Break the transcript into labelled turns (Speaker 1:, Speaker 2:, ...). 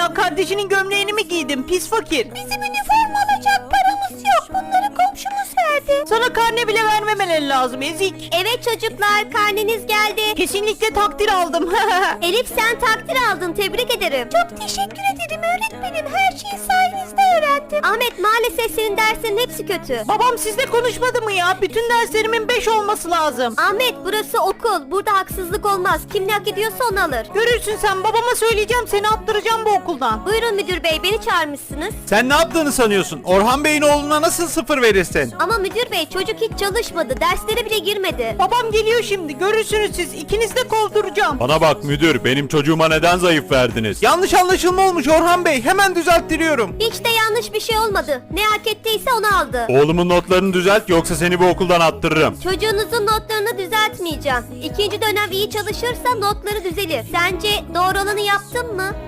Speaker 1: ya? Kardeşinin gömleğini mi giydin? Pis fakir.
Speaker 2: Bizim üniforma alacak paramız yok. Bunları komşumuz verdi.
Speaker 1: Sana karne bile vermemeleri lazım ezik.
Speaker 2: Evet çocuklar, karneniz geldi.
Speaker 1: Kesinlikle takdir aldım.
Speaker 2: Elif sen takdir aldın, tebrik ederim. Çok teşekkür ederim öğretmenim. Her şeyi sayenizde öğrendim. Ahmet maalesef senin derslerin hepsi kötü.
Speaker 1: Babam sizle konuşmadı mı ya? Bütün derslerimin 5 olması lazım.
Speaker 2: Ahmet burası okul. Burada haksızlık olmaz. Kim ne hak ediyorsa onu alır.
Speaker 1: Görürsün sen, babama söyleyeceğim, seni attıracağım bu okuldan.
Speaker 2: Buyurun müdür bey, beni çağırmışsınız.
Speaker 3: Sen ne yaptığını sanıyorsun? Orhan Bey'in oğluna nasıl 0 verirsin?
Speaker 2: Ama müdür bey çocuk hiç çalışmadı. Derslere bile girmedi.
Speaker 1: Babam geliyor şimdi, görürsünüz siz. İkinizi de kovduracağım.
Speaker 3: Bana bak müdür, benim çocuğuma neden zayıf verdiniz? Yanlış anlaşılma olmuş Orhan Bey, hemen düzelttiriyorum.
Speaker 2: Hiç de yanlış bir şey olmadı. Ne hak ettiyse onu aldı.
Speaker 3: Oğlumun notlarını düzelt, yoksa seni bu okuldan attırırım.
Speaker 2: Çocuğunuzun notlarını düzeltmeyeceğim. İkinci dönem iyi çalışırsa notları düzelir. Sence doğru olanı yaptın mı?